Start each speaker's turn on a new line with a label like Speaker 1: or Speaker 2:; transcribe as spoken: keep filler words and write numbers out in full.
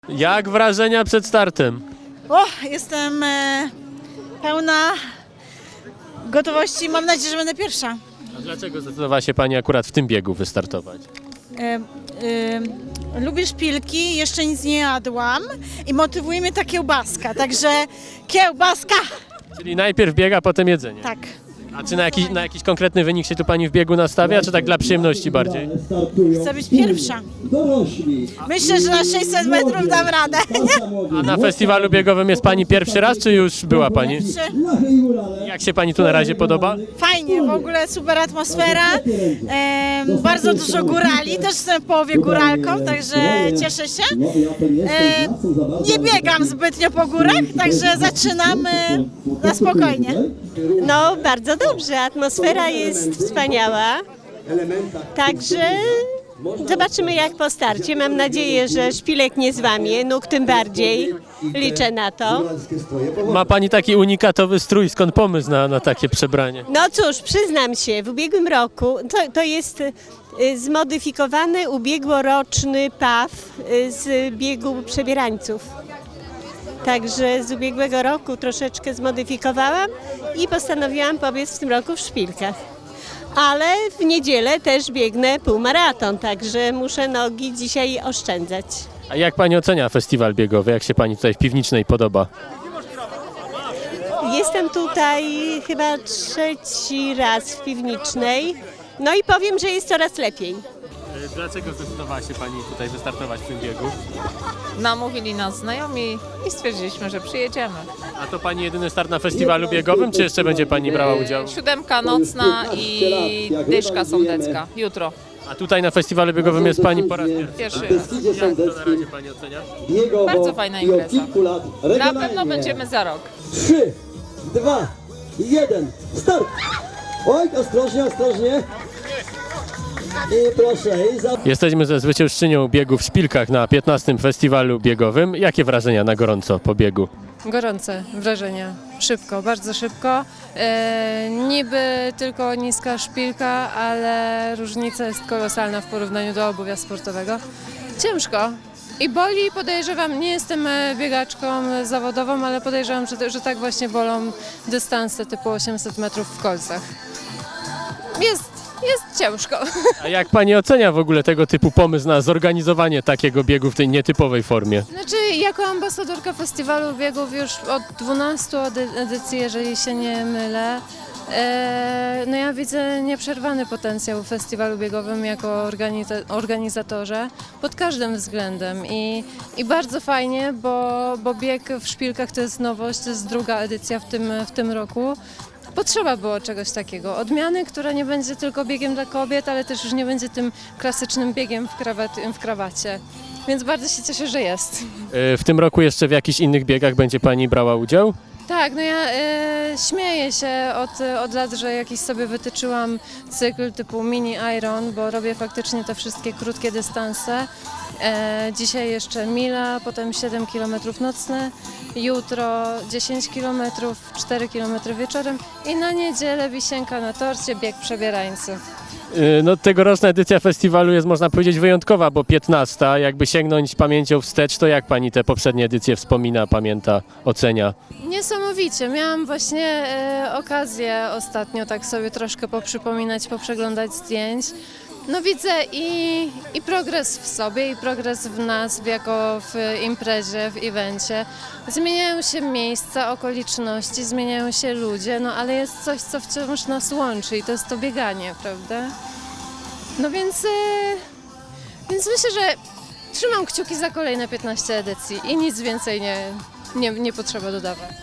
Speaker 1: Jak wrażenia przed startem?
Speaker 2: O, jestem e, pełna gotowości. Mam nadzieję, że będę pierwsza.
Speaker 1: A dlaczego zdecydowała się Pani akurat w tym biegu wystartować?
Speaker 2: E, e, lubię szpilki, jeszcze nic nie jadłam i motywuje mnie ta kiełbaska, także kiełbaska!
Speaker 1: Czyli najpierw bieg, a potem jedzenie.
Speaker 2: Tak.
Speaker 1: A czy na jakiś, na jakiś konkretny wynik się tu Pani w biegu nastawia, czy tak dla przyjemności bardziej?
Speaker 2: Chcę być pierwsza. Myślę, że na sześćset metrów dam radę.
Speaker 1: A na festiwalu biegowym jest Pani pierwszy raz, czy już była Pani? Jak się Pani tu na razie podoba?
Speaker 2: Fajnie, w ogóle super atmosfera, e, bardzo dużo górali, też jestem w połowie góralką, także cieszę się. E, nie biegam zbytnio po górach, także zaczynamy na spokojnie.
Speaker 3: No, bardzo dobrze. Atmosfera jest wspaniała. Także zobaczymy jak po starcie. Mam nadzieję, że szpilek nie złamie, nóg tym bardziej. Liczę na to.
Speaker 1: Ma Pani taki unikatowy strój, skąd pomysł na, na takie przebranie?
Speaker 3: No cóż, przyznam się, w ubiegłym roku to, to jest y, zmodyfikowany ubiegłoroczny P A W y, z biegu przebierańców. Także z ubiegłego roku troszeczkę zmodyfikowałam i postanowiłam pobiec w tym roku w szpilkach. Ale w niedzielę też biegnę półmaraton, także muszę nogi dzisiaj oszczędzać.
Speaker 1: A jak Pani ocenia festiwal biegowy? Jak się Pani tutaj w Piwnicznej podoba?
Speaker 3: Jestem tutaj chyba trzeci raz w Piwnicznej, no i powiem, że jest coraz lepiej.
Speaker 1: Dlaczego zdecydowała się Pani tutaj wystartować w tym biegu?
Speaker 4: Namówili nas znajomi i stwierdziliśmy, że przyjedziemy.
Speaker 1: A to Pani jedyny start na festiwalu biegowym, czy jeszcze będzie Pani brała udział?
Speaker 4: Siódemka nocna i dyszka sądecka. Jutro.
Speaker 1: A tutaj na festiwalu biegowym jest Pani po raz pierwszy.
Speaker 4: Pierwszy raz.
Speaker 1: Jak to na razie Pani ocenia?
Speaker 4: Bardzo fajna impreza. Na pewno będziemy za rok.
Speaker 5: trzy, dwa, jeden, start! Oj, ostrożnie, ostrożnie. I proszę, i za...
Speaker 1: Jesteśmy ze zwyciężczynią biegu w Szpilkach na piętnastym festiwalu biegowym. Jakie wrażenia na gorąco po biegu?
Speaker 6: Gorące wrażenia. Szybko, bardzo szybko. E, niby tylko niska szpilka, ale różnica jest kolosalna w porównaniu do obuwia sportowego. Ciężko. I boli, podejrzewam, nie jestem e, biegaczką zawodową, ale podejrzewam, że, że tak właśnie bolą dystanse typu osiemset metrów w kolcach. Jest, jest ciężko.
Speaker 1: A jak Pani ocenia w ogóle tego typu pomysł na zorganizowanie takiego biegu w tej nietypowej formie?
Speaker 6: Znaczy, jako ambasadorka festiwalu biegów już od dwunastu edy- edycji, jeżeli się nie mylę, e, no ja widzę nieprzerwany potencjał w festiwalu biegowym jako organiza- organizatorze pod każdym względem i, i bardzo fajnie, bo, bo bieg w Szpilkach to jest nowość, to jest druga edycja w tym, w tym roku. Potrzeba było czegoś takiego, odmiany, która nie będzie tylko biegiem dla kobiet, ale też już nie będzie tym klasycznym biegiem w, krawat- w krawacie. Więc bardzo się cieszę, że jest.
Speaker 1: E, W tym roku jeszcze w jakichś innych biegach będzie Pani brała udział?
Speaker 6: Tak, no ja e, śmieję się od, od lat, że jakiś sobie wytyczyłam cykl typu mini iron, bo robię faktycznie te wszystkie krótkie dystanse. E, dzisiaj jeszcze mila, potem siedem kilometrów nocne, jutro dziesięć kilometrów, cztery kilometry wieczorem i na niedzielę wisienka na torcie, bieg przebierańców.
Speaker 1: E, No tegoroczna edycja festiwalu jest, można powiedzieć, wyjątkowa, bo piętnasta. Jakby sięgnąć pamięcią wstecz, to jak Pani te poprzednie edycje wspomina, pamięta, ocenia?
Speaker 6: Niesamowicie. Miałam właśnie e, okazję ostatnio tak sobie troszkę poprzypominać, poprzeglądać zdjęć. No widzę i, i progres w sobie, i progres w nas, jako w imprezie, w evencie. Zmieniają się miejsca, okoliczności, zmieniają się ludzie, no ale jest coś, co wciąż nas łączy i to jest to bieganie, prawda? No więc, e, więc myślę, że trzymam kciuki za kolejne piętnaście edycji i nic więcej nie, nie, nie potrzeba dodawać.